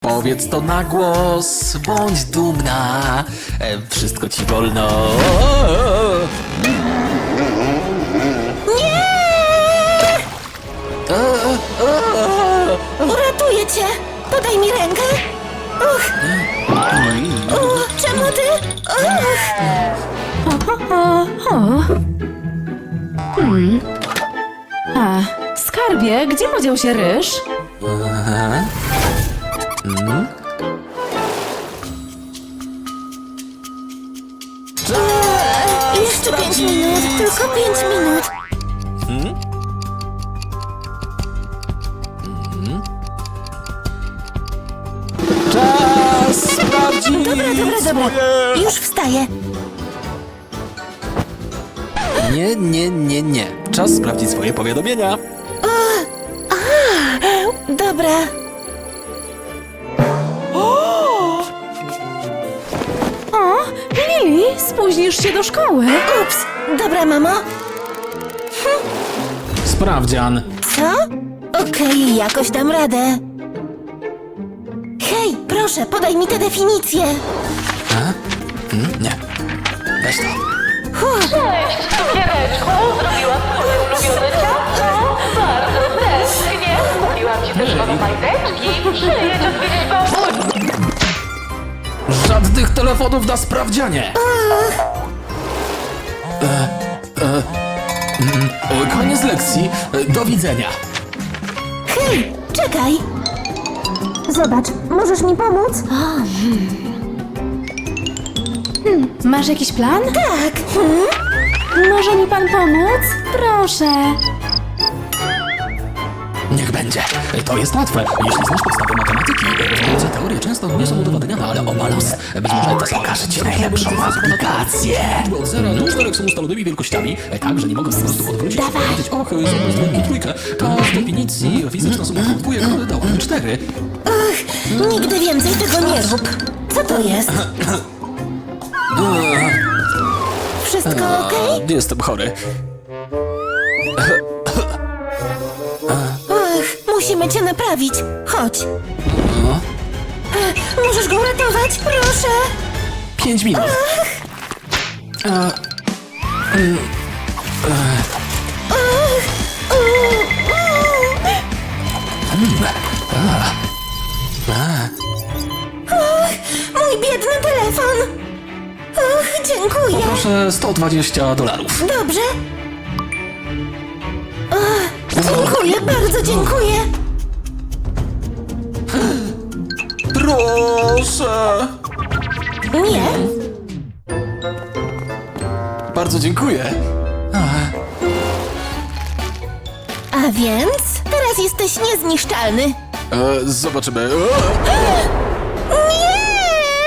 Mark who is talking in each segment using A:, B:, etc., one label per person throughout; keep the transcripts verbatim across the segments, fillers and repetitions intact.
A: Powiedz to na głos, bądź dumna, e, wszystko ci wolno.
B: Nie! Uratuję cię! Podaj mi rękę! Uch! Uch, czemu ty? Uch!
C: O, o, o. Hmm. A, skarbie, gdzie podział się ryż?
B: Jeszcze pięć minut, tylko pięć minut.
A: Czas sprawdzić
B: Dobra, dobra, dobra.
A: swoje...
B: Już wstaję.
A: Nie, nie, nie, nie. Czas sprawdzić swoje powiadomienia.
B: Dobra.
C: O, Lili, spóźnisz się do szkoły.
B: Ups. Dobra, mamo.
A: Sprawdzian.
B: Co? Okej, jakoś dam radę. Hej, proszę, podaj mi tę definicję.
A: Hmm? Nie. Weź to.
D: Cześć, cukiereczku! Zrobiłam twoje ulubione ciasto! Bardzo tęsknię! Kupiłam ci też nowe majteczki! Przyjedź odwiedzić babunię!
A: Żadnych telefonów na sprawdzianie. E, e, mm, e, koniec lekcji. E, Do widzenia.
B: Hej, czekaj. Zobacz, możesz mi pomóc?
C: Masz jakiś plan?
B: Tak. Hmm?
C: Może mi pan pomóc? Proszę.
A: Niech będzie. To jest łatwe. Jeśli znasz podstawy matematyki, różnice teorie często nie są udowadniane, ale obalos. Być może to pokaże ci najlepszą aplikację. Liczby od zera do czterech są ustalonymi wielkościami, tak, że nie mogę po prostu odwrócić się i powiedzieć, och, zobacz dwójkę i trójkę. To z definicji fizyczna suma dwójek dałaby cztery.
B: Ach, nigdy więcej tego nie rób. Co to jest? Wszystko okej?
A: Jestem chory.
B: Ach, musimy cię naprawić. Chodź. Ach, możesz go uratować, proszę.
A: Pięć minut. E, mm,
B: Ach, u, u.
A: a,
B: Ach, mój biedny telefon. Ach, dziękuję.
A: Proszę sto dwadzieścia dolarów.
B: Dobrze. Ach, dziękuję, bardzo dziękuję.
A: Proszę.
B: Nie,
A: Bardzo dziękuję.
B: a więc teraz jesteś niezniszczalny.
A: E, zobaczymy. E,
B: Nie!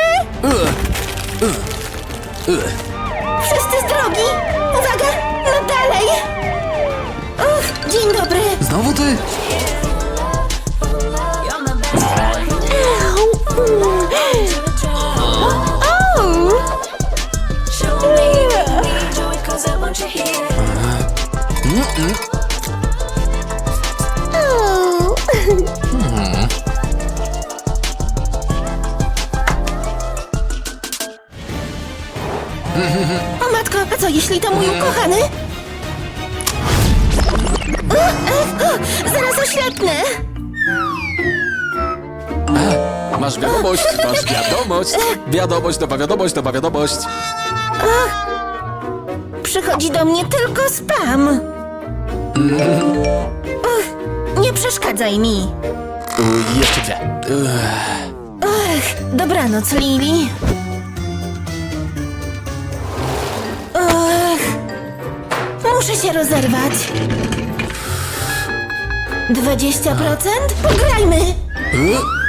B: Wszyscy z drogi! Uwaga! No dalej! Och, dzień dobry!
A: Znowu ty?
B: Au! Au! Au! O matko, a co jeśli to mój ukochany? O, o, o, zaraz oślepnę!
A: Masz wiadomość, masz wiadomość. Wiadomość, nowa wiadomość, nowa wiadomość.
B: Przychodzi do mnie tylko spam. Och, nie przeszkadzaj mi.
A: U, jeszcze dwie.
B: Ach, dobranoc, Lili. Ach, muszę się rozerwać. Dwadzieścia procent? Pograjmy!
A: E,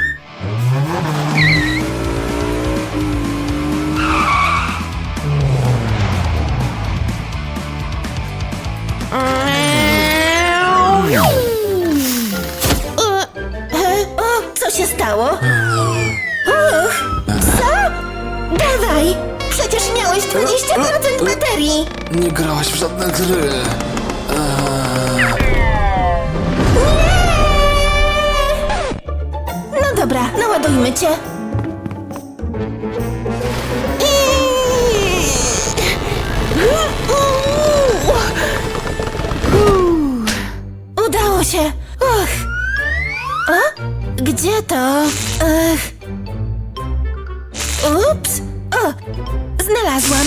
B: O, e, o, co się stało? Och, co? Dawaj! Przecież miałeś dwadzieścia procent baterii!
A: Nie grałaś w żadne gry.
B: No dobra, naładuję Naładujmy cię. Udało się. Och. A? Gdzie to? Ech. Ups. O, znalazłam.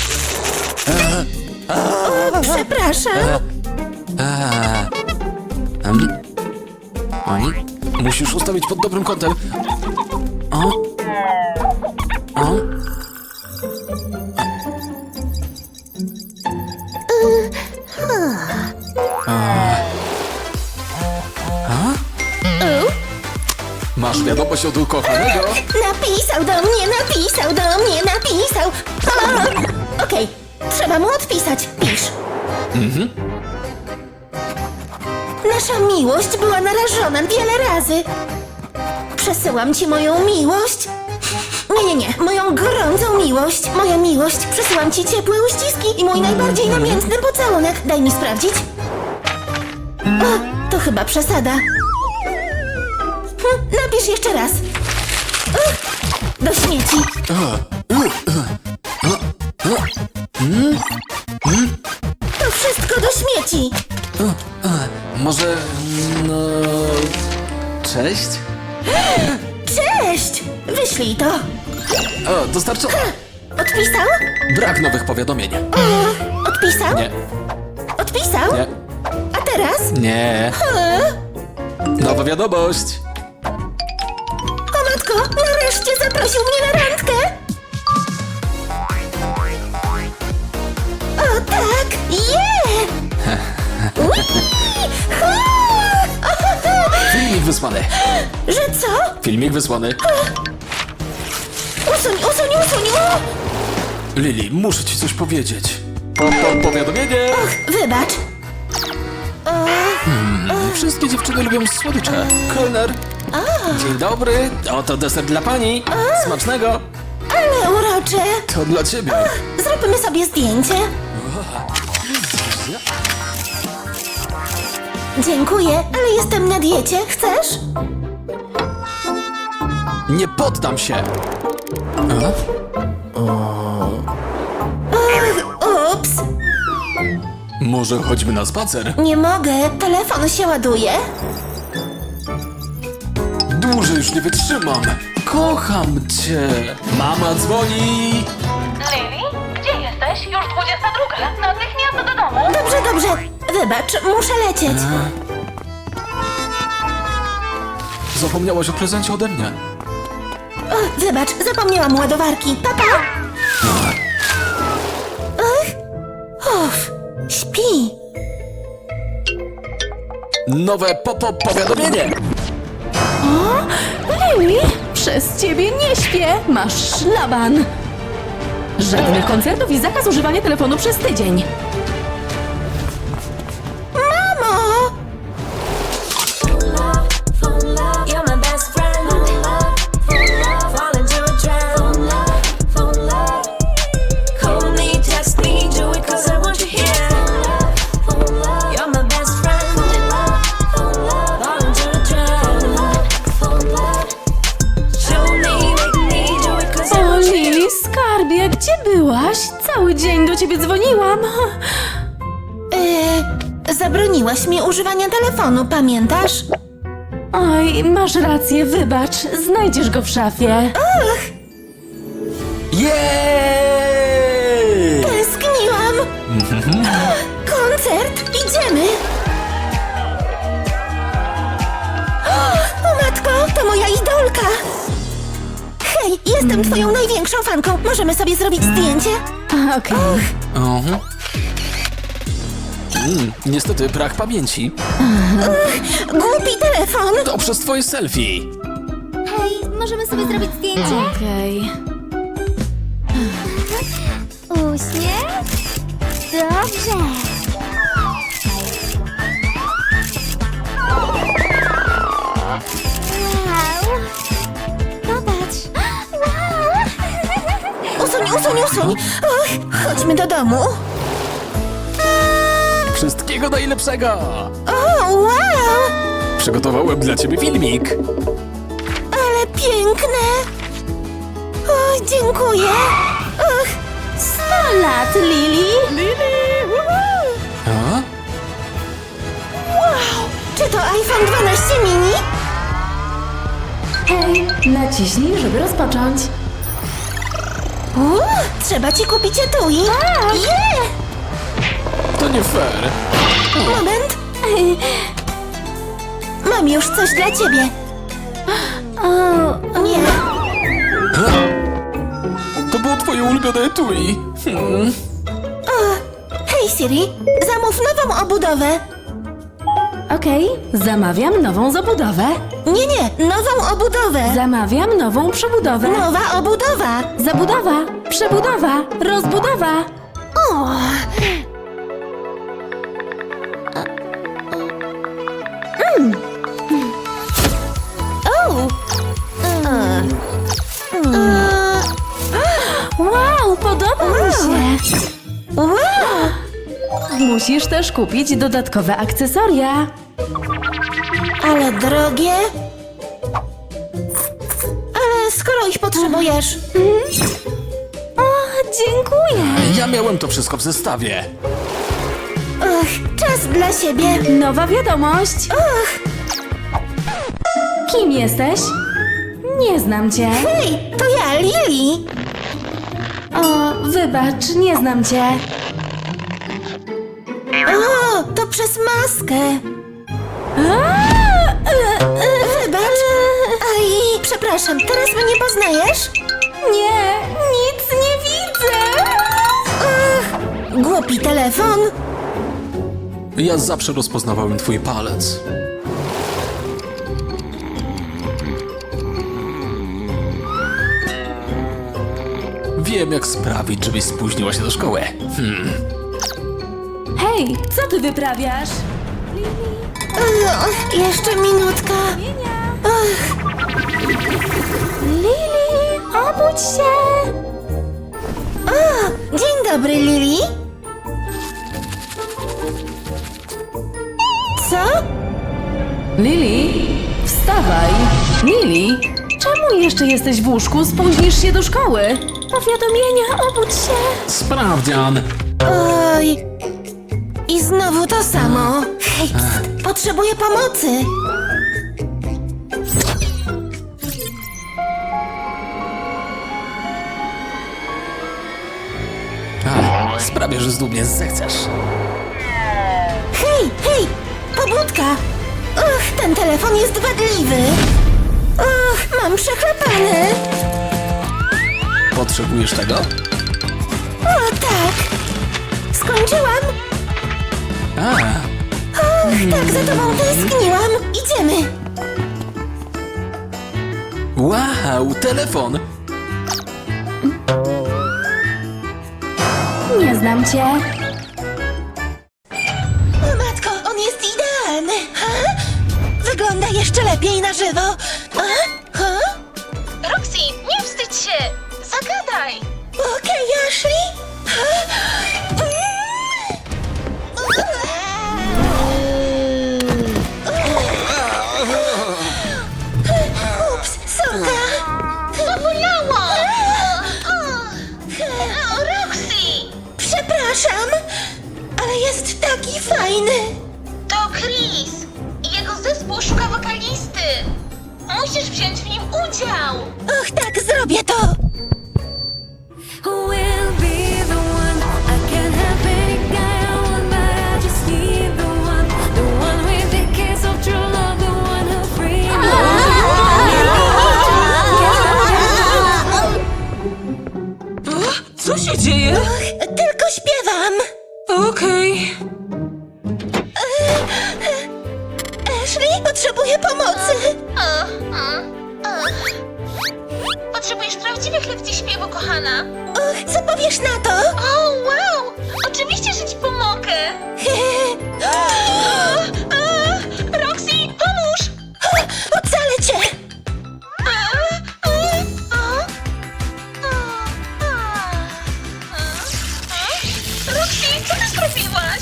B: O, przepraszam.
A: Um. Oj, musisz ustawić pod dobrym kątem. O. O.
B: U,
A: Masz wiadomość od ukochanego?
B: napisał do mnie, napisał do mnie, napisał. O, Okej, trzeba mu odpisać. Pisz. Nasza miłość była narażona wiele razy. Przesyłam ci moją miłość. Nie, nie, nie, moją gorącą miłość. Moja miłość. Przesyłam ci ciepłe uściski i mój najbardziej namiętny pocałunek. Daj mi sprawdzić. O, to chyba przesada. Hm, napisz jeszcze raz. Uch, do śmieci. To wszystko do śmieci.
A: Może... no... Cześć?
B: Cześć! Wyślij to.
A: O, dostarczone.
B: Odpisał?
A: Brak nowych powiadomień.
B: Odpisał?
A: Nie,
B: Odpisał?
A: nie,
B: A teraz?
A: nie. Nowa wiadomość.
B: O matko, nareszcie zaprosił mnie na randkę! O tak! Je! Ui! Ha!
A: Filmik wysłany.
B: Że co?
A: Filmik wysłany.
B: Usuń, usuń, usuń! O!
A: Lili, muszę ci coś powiedzieć. Po, po, powiadomienie.
B: Wybacz.
A: Wszystkie dziewczyny lubią słodycze. Kelner. Dzień dobry. Oto deser dla pani. Smacznego.
B: Ale urocze!
A: To dla ciebie.
B: Zróbmy sobie zdjęcie. Dziękuję, ale jestem na diecie. Chcesz?
A: Nie poddam się.
B: Ups,
A: Może chodźmy na spacer?
B: nie mogę. Telefon się ładuje.
A: Dłużej już nie wytrzymam. Kocham cię. Mama dzwoni.
D: Lili, gdzie jesteś? Już dwudziesta druga. Natychmiast do domu.
B: Dobrze, dobrze. Wybacz, muszę lecieć.
A: Zapomniałaś o prezencie ode mnie.
B: O, wybacz, zapomniałam ładowarki. Papa! Ach, uff, śpi.
A: Nowe popo powiadomienie.
C: Lili, przez ciebie nie śpię. Masz szlaban. Żadnych koncertów i zakaz używania telefonu przez tydzień.
B: Mamo!
E: You're my best friend. Fall into a trap. Call me, text me, do it 'cause I want you here. You're my best friend. Fall into a trap. Show me, make me, do it 'cause I
C: O,
E: want you
C: Lili,
E: here.
C: skarbie, gdzie byłaś? Cały dzień do ciebie dzwoniłam.
B: Yy, zabroniłaś mi używania telefonu, pamiętasz?
C: Oj, masz rację, wybacz. Znajdziesz go w szafie.
A: Jej!
B: Tęskniłam. Koncert, idziemy. O matko, to moja idolka. Hej, jestem twoją największą fanką. Możemy sobie zrobić zdjęcie?
C: A, Okej.
A: Mhm. Mm, niestety brak pamięci.
B: Głupi telefon.
A: To przez twoje selfie.
F: Hej, możemy sobie zrobić zdjęcie?
C: Okej.
F: Uśmiech? Dobrze. Wow. Popatrz. Wow.
B: Usuń, usuń, usuń. Och, chodźmy do domu.
A: Wszystkiego najlepszego.
B: O, wow.
A: Przygotowałem dla ciebie filmik.
B: Ale piękne! O, dziękuję! Och,
C: sto lat, Lili!
A: A?
B: czy to iPhone dwanaście mini?
C: Hej, naciśnij, żeby rozpocząć.
B: Uuu, trzeba ci kupić etui. Yeah!
A: To nie fair.
B: Moment. Mam już coś dla ciebie. O, nie.
A: To było twoje ulubione etui. Hmm.
B: Hej Siri, zamów nową obudowę.
C: Okej, zamawiam nową zabudowę.
B: Nie, nie, nową obudowę.
C: Zamawiam nową przebudowę.
B: Nowa obudowa.
C: Zabudowa, przebudowa, rozbudowa.
B: O. Mm. O. Mm.
C: Wow, podoba mi się.
B: Wow.
C: Musisz też kupić dodatkowe akcesoria.
B: Ale drogie. Ale skoro ich potrzebujesz.
C: O, dziękuję.
A: Ja miałem to wszystko w zestawie.
B: Och, czas dla siebie.
C: Nowa wiadomość.
B: Och,
C: Kim jesteś? Nie znam cię.
B: hej, to ja, Lili.
C: O, wybacz, nie znam cię.
B: O, to przez maskę. Wybacz. Aj, przepraszam, teraz mnie nie poznajesz?
C: Nie, nic nie widzę.
B: Och, głupi telefon.
A: Ja zawsze rozpoznawałem twój palec. Wiem, jak sprawić, żebyś spóźniła się do szkoły. Hmm.
C: Hej, co ty wyprawiasz?
B: Och, jeszcze minutka.
C: Lili, obudź się.
B: O, dzień dobry, Lili. Co?
C: Lili, wstawaj. Lili, czemu jeszcze jesteś w łóżku? Spóźnisz się do szkoły. Powiadomienia, obudź się.
A: Sprawdzian.
B: Oj. I znowu to samo. Hej, pst, potrzebuję pomocy.
A: A, sprawię, że znów mnie zechcesz.
B: Hej, hej, pobudka. Och, ten telefon jest wadliwy. Och, mam przechlapane.
A: Potrzebujesz tego?
B: O, tak. Skończyłam.
A: A,
B: Och, tak za tobą tęskniłam. Idziemy.
A: wow, telefon.
C: Nie znam cię.
B: O matko, on jest idealny. Ha? Wygląda jeszcze lepiej na żywo. A? Ha?
D: Roxy, nie wstydź się! Zagadaj!
B: Okej, Ashley. Ha? Ups, sorka.
D: Zabolało! Roxy!
B: Przepraszam, ale jest taki fajny.
D: To Chris! I jego zespół szuka wokalisty! Musisz wziąć w nim udział!
B: Och, tak, zrobię to.
E: Who will be the one? I can't have any guy I want, but I just need the one. The one with the kiss of true love, the one who frees
G: Co się dzieje?
B: Tylko śpiewam.
G: Okej.
B: Ashley, potrzebuję pomocy.
D: O, o, o. Potrzebujesz prawdziwych lekcji śpiewu, kochana!
B: Och, co powiesz na to?
D: O, wow! Oczywiście, że ci pomogę! Roxy, pomóż!
B: Ocalę cię.
D: Roxy, co ty zrobiłaś?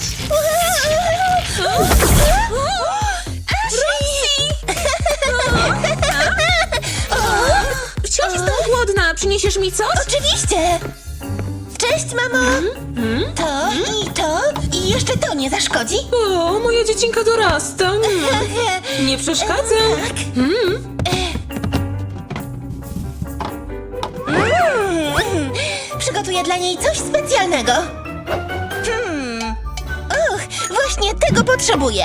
B: Ashley!
G: A przyniesiesz mi coś?
B: Oczywiście! Cześć, mamo! To i to i jeszcze to nie zaszkodzi?
G: O, moja dziecinka dorasta. Mm. Nie przeszkadza.
B: Tak.
G: Mm.
B: Mm, przygotuję dla niej coś specjalnego. Hmm. Och, właśnie tego potrzebuję.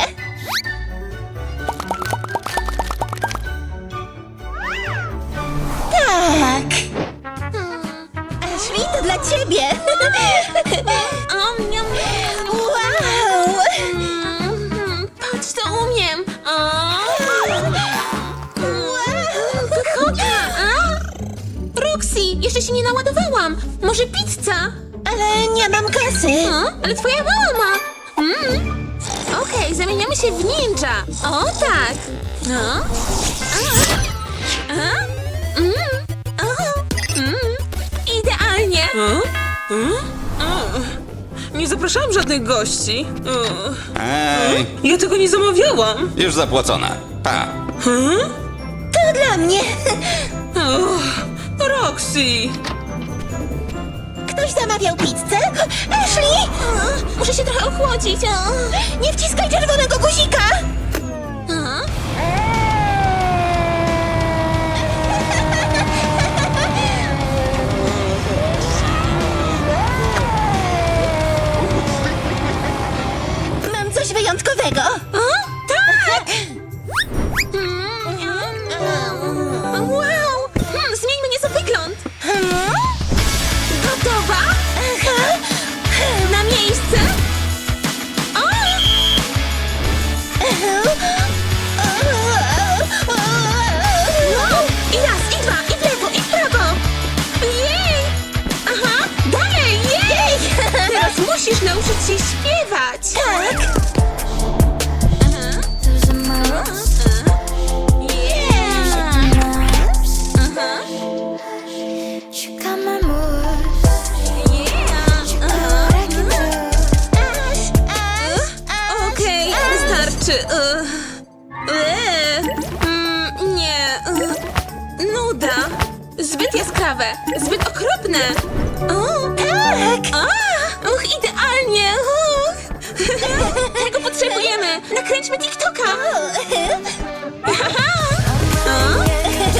B: Tak. Ashley, to dla ciebie.
G: O, miam, miam.
B: Wow.
G: Mm, Patrz, co umiem. O.
B: Wow.
G: Pychota. A? Roxy, jeszcze się nie naładowałam. Może pizza?
B: Ale nie mam kasy.
G: O, ale twoja mama. Mm. Okej, zamieniamy się w ninja. O, tak. No. A. A. Mm. O. Mm. Idealnie. Nie zapraszałam żadnych gości.
H: Ej,
G: Ja tego nie zamawiałam.
H: już zapłacone. Pa.
B: To dla mnie.
G: Roxy.
B: Ktoś zamawiał pizzę? Ashley!
G: Muszę się trochę ochłodzić.
B: Nie wciskaj czerwonego guzika! Mam coś wyjątkowego.
G: Tak! Wow! Hmm, zmieńmy nieco wygląd. Gotowa? Na miejsce? O! Wow! I raz, i dwa, i w lewo, i w prawo. Jej! Aha, dalej, jej! Teraz musisz nauczyć się śpiewać.
B: Tak!
G: Aha.
E: There's a mouse.
G: Yeah! Aha.
E: She got my moves.
G: Yeah! Aha.
E: What I can do.
G: Okej, wystarczy. Ugh. Eee, mm, nie. Ugh. Nuda. Zbyt jaskrawe. Zbyt okropne. O,
B: Tak!
G: a, uch, idealnie. Uch. Tego potrzebujemy. Nakręćmy TikToka. Aha. O.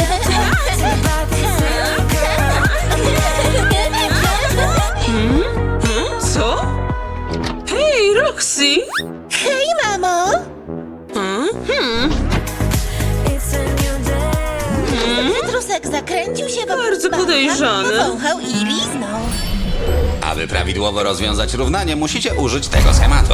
G: Hmm? Co? Hej, Roxy.
B: Hej, mamo!
G: Hmm?
E: It's a new day.
B: Cytrusek zakręcił się wokół
G: Bardzo
B: dzbanka,
G: podejrzane.
B: powąchał i liznął.
H: Aby prawidłowo rozwiązać równanie, musicie użyć tego schematu.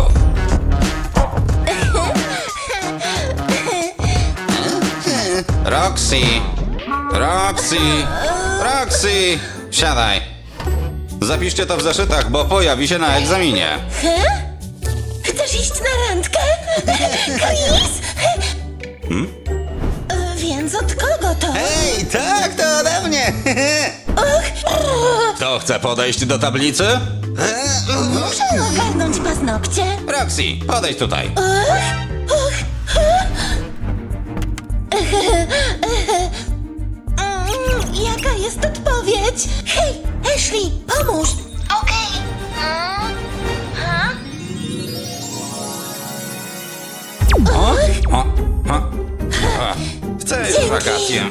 H: Roxy! Roxy! Roxy! Siadaj! Zapiszcie to w zeszytach, bo pojawi się na egzaminie.
B: Chcesz iść na randkę? Chris? E, Więc od kogo to?
H: Ej, tak, to ode mnie! Kto chce podejść do tablicy?
B: Muszę ogarnąć paznokcie.
H: Roxy, podejdź tutaj.
B: Mm, Jaka jest odpowiedź? Hej, Ashley, pomóż! Okej.
H: O, o, o. O, chcę już
B: Dzięki.
H: wakacje.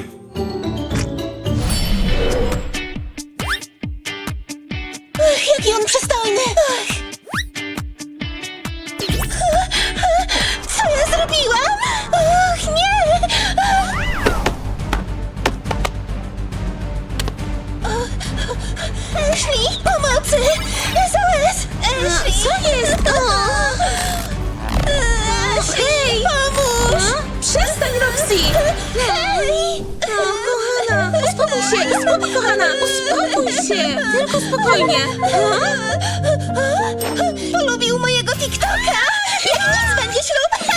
B: Ach, jaki on przystojny! Ach. Co ja zrobiłam? Och, nie! Ashley, pomocy! S O S! Ashley!
G: Co jest?
B: Ashley, pomóż!
G: Przestań, Roxy!
B: Hej!
G: Kochana, uspokój się, uspokój, kochana, uspokój się! Tylko spokojnie.
B: Polubił mojego TikToka! Jak nic będzie ślub!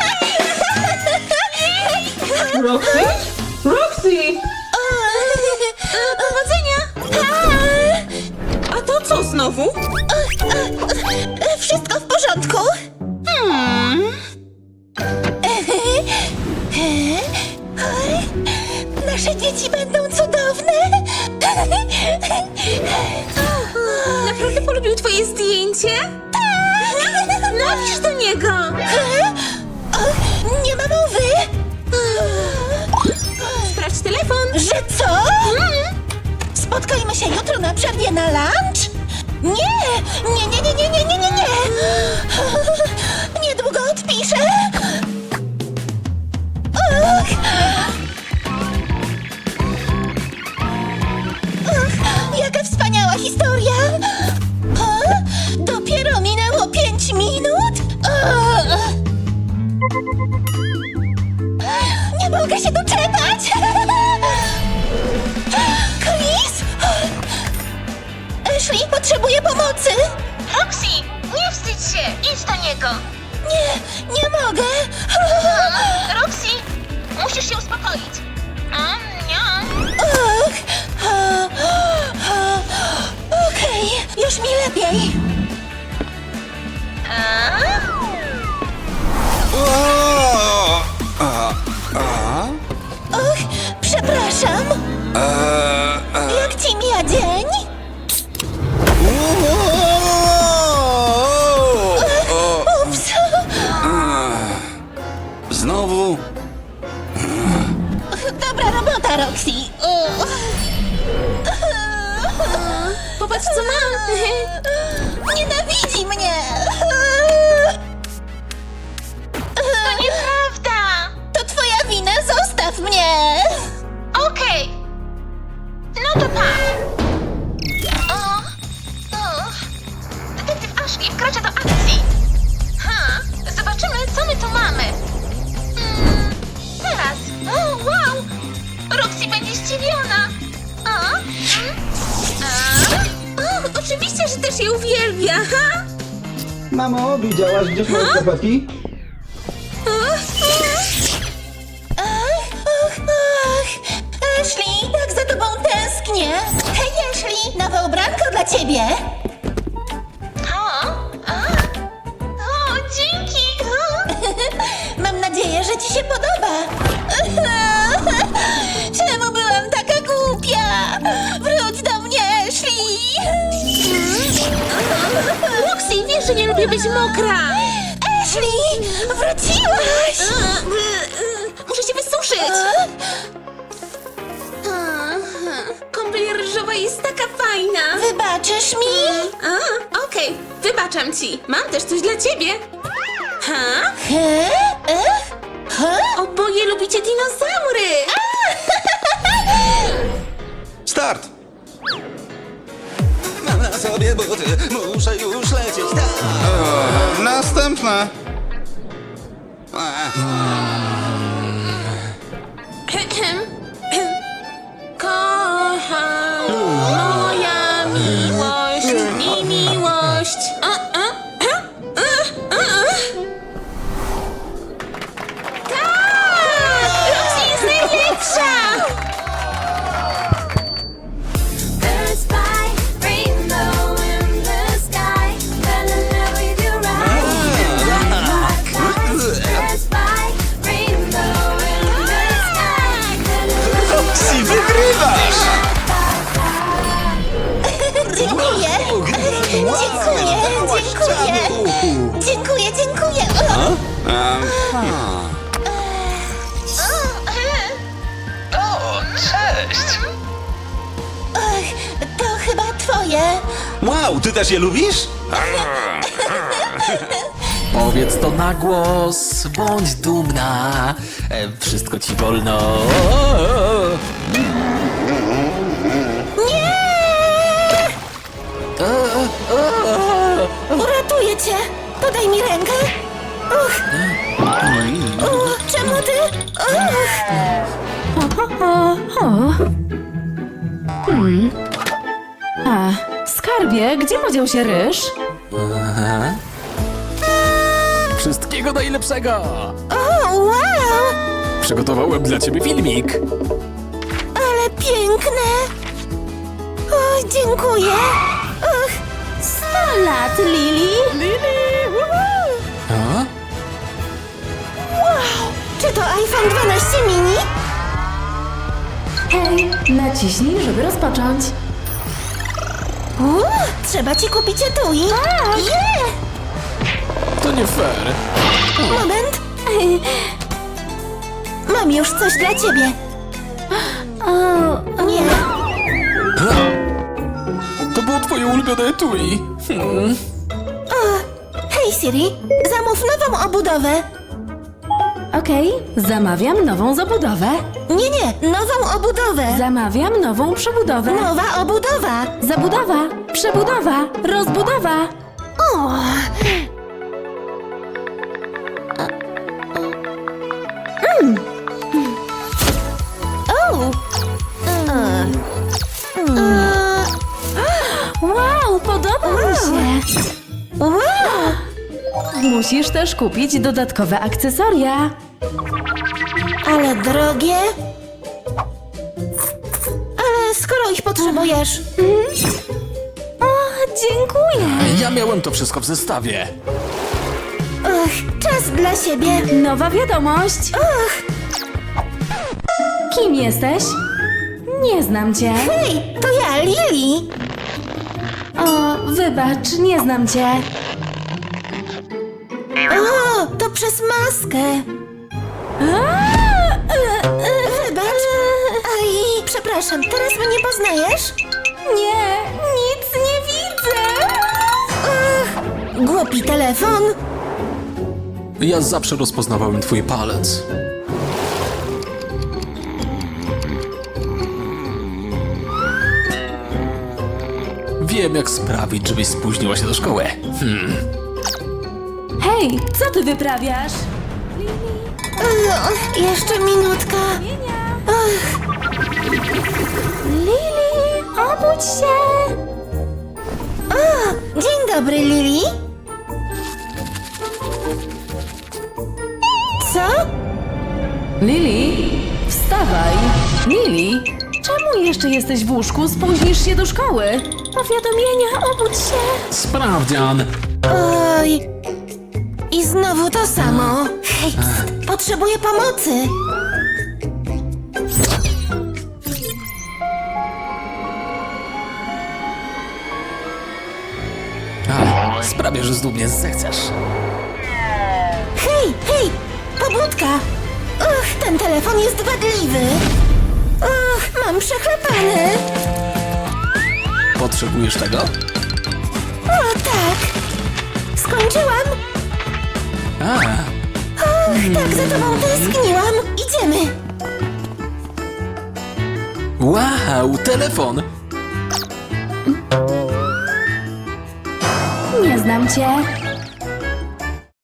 G: Roxy? Roxy!
B: Powodzenia!
G: A to co znowu?
B: Wszystko w porządku?
G: Hmm.
B: Nasze dzieci będą cudowne! Co? Spotkajmy się jutro na przerwie na lunch? Nie! Nie, nie, nie, nie, nie, nie, nie, nie! Niedługo odpiszę! Och. Och, jaka wspaniała historia! O, dopiero minęło pięć minut? O. Nie mogę się doczekać! Chris? Ashley potrzebuje pomocy!
G: Roxy, nie wstydź się, idź do niego.
B: Nie, nie mogę!
G: Roxy, musisz się uspokoić. Mm, nie.
B: Och, o, o, okej, już mi lepiej.
G: A?
H: O! A, a?
B: Och, przepraszam.
H: E,
B: Jak ci mija dzień?
H: o,
B: Ups.
H: Znowu?
B: Dobra robota, Roxy. Uch.
G: Popatrz, co mam.
B: Nienawidzi mnie.
G: To nieprawda.
B: To twoja wina, zostaw mnie.
G: Okej. No to pa. O, o. Detektyw Ashley wkracza do akcji. Ha, zobaczymy, co my tu mamy. Mm, teraz. O, wow. Roxy będzie zdziwiona. O, mm, a. O, oczywiście, że też je uwielbia, ha?
I: Mamo, widziałaś gdzieś moje skarpetki?
B: Ach, ach, ach. Ashley, tak za tobą tęsknię. Hej, Ashley, nowe ubranko dla ciebie.
G: O, a. O, dzięki. O.
B: Mam nadzieję, że ci się podoba. Czemu byłam taka głupia? Wróć do mnie, Ashley.
G: Roxy, wiesz, że nie lubię być mokra.
B: Ashley, wróciłaś.
G: Muszę się wysuszyć. Kąpiel ryżowa jest taka fajna.
B: Wybaczysz mi?
G: A, okej, wybaczam ci. Mam też coś dla ciebie. Ha?
B: He? Ech? He?
G: Oboje lubicie dinozaury.
H: Start! Mam na sobie buty, muszę już lecieć, tak! Następne! Ech.
G: Kocham moja miłość i miłość. A, a, a, a, a. Tak! Roxy jest najlepsza!
E: Birds fly, rainbow in the sky. Fell in love with your eyes. Birds fly, rainbow in the sky. Fell in love with your
H: Roxy, wygrywasz!
B: Dziękuję. Dziękuję, dziękuję. Dziękuję, dziękuję.
H: Um,
G: O, cześć!
B: Ach, to chyba twoje.
H: wow, ty też je lubisz?
A: Powiedz to na głos, bądź dumna. E, wszystko ci wolno.
B: Nie! Uratuję cię. Podaj mi rękę. Uch. Uch, czemu ty? Uch.
C: O, o, o. Hmm. A, skarbie, gdzie podział się ryż?
A: Wszystkiego najlepszego!
B: O, wow!
A: Przygotowałem dla ciebie filmik.
B: Ale piękne. O, dziękuję. Uch. Sto lat, Lili. Lili!
A: A?
B: Wow! Czy to iPhone dwanaście mini?
C: Hej, naciśnij, żeby rozpocząć.
B: Uuu, trzeba ci kupić etui. Tak! Yeah!
A: To nie fair.
B: Moment. Mam już coś dla ciebie.
C: O,
B: Nie.
A: To było twoje ulubione etui. Hmm.
B: Hej Siri, zamów nową obudowę.
C: okej, zamawiam nową zabudowę.
B: Nie, nie, nową obudowę.
C: Zamawiam nową przebudowę.
B: Nowa obudowa.
C: Zabudowa, przebudowa, rozbudowa.
B: O. Mm. O. E. E.
C: Wow, podoba mi się.
B: Wow.
C: Musisz też kupić dodatkowe akcesoria.
B: Ale drogie. Ale skoro ich potrzebujesz.
C: O, dziękuję.
A: Ja miałem to wszystko w zestawie.
B: Ach, czas dla siebie.
C: Nowa wiadomość.
B: Ach,
C: Kim jesteś? Nie znam cię.
B: hej, to ja, Lili.
C: O, wybacz, nie znam cię.
B: O, to przez maskę.
C: A, e, e,
B: Wybacz. Aj, przepraszam, teraz mnie poznajesz?
C: Nie, nic nie widzę.
B: Ach, głupi telefon.
A: Ja zawsze rozpoznawałem twój palec. Wiem, jak sprawić, żebyś spóźniła się do szkoły. Hmm.
C: Hej, co ty wyprawiasz?
B: Ach, jeszcze minutka. Ach,
C: Lili, obudź się.
B: o, dzień dobry, Lili. Co?
C: Lili, wstawaj. Lili, czemu jeszcze jesteś w łóżku? Spóźnisz się do szkoły. Powiadomienia, obudź się.
A: Sprawdzian.
B: Oj. I znowu to samo. Hej, pst, potrzebuję pomocy.
A: A, sprawię, że znów mnie zechcesz.
B: Hej, hej, pobudka. Ach, ten telefon jest wadliwy. Ach, mam przechlepany.
A: Potrzebujesz tego?
B: O, tak. Skończyłam.
A: A,
B: Och, tak za tobą tęskniłam. Idziemy.
A: wow, telefon.
C: Nie znam cię.